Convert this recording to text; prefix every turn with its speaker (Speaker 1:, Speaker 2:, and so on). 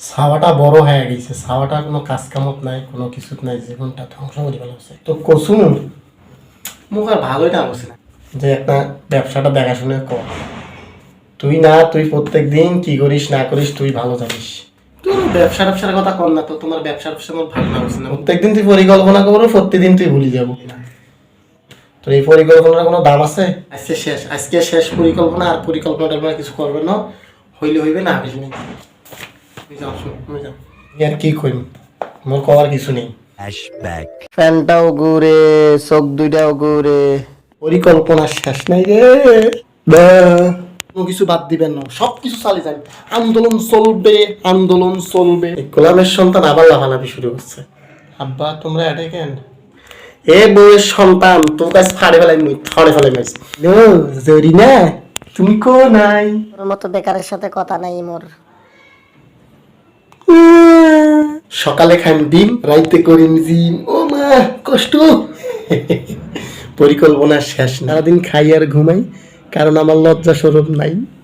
Speaker 1: ছাওয়াটা বড় হয়ে গেছে, ছাওয়াটা কোনো কাজ কামত নাই, কোনো কিছু নাই, জীবনটা ধ্বংস করে ফেলাচ্ছে। তো কসুম মুখ আর ভালোই না বসে না যে একটা ব্যবসাটা দেখাশুনে কর। তুই না, তুই প্রত্যেক দিন কি করিস না করিস তুই ভালো জানিস। তুই ব্যবসার কথা কর না, তো তোমার ব্যবসার আমার ভালো না বসে না। প্রত্যেকদিন তুই পরিকল্পনা করবো, প্রত্যেকদিন তুই ভুলে যাবো। তোর এই পরিকল্পনার কোনো দাম আছে? আজকে শেষ, আজকে শেষ পরিকল্পনা। আর পরিকল্পনাটা কিছু করবে না, হইলে হইবে না হইলে নেই। আর কি কইম, মোর করার কিছু নেই। ফ্যানটাও ঘুরে, চোখ দুইটাও ঘুরে, পরিকল্পনা শেষ নাই রে। কোনো কিছু বাদ দিবেন না, সবকিছু চালিয়ে যাবে। আন্দোলন চলবে, আন্দোলন চলবে। গোলামের সন্তান আবার লাফালাফি শুরু করছে। আব্বা তোমরা এটা কেন? এ বউয়ের সন্তান তোর কাছে ফাড়ে ফেলাই, মুই ফাড়ে ফেলাই মাইস। নো জরি না, তুমি কো নাই?
Speaker 2: তোর মতো বেকারের সাথে কথা নাই মোর।
Speaker 1: সকালে খাইম ডিম, রাইতে করিম জিম। ও মা কষ্ট। পরিকল্পনা শেষ, সারাদিন খাই আর ঘুমাই, কারণ আমার লজ্জা স্বরূপ নাই।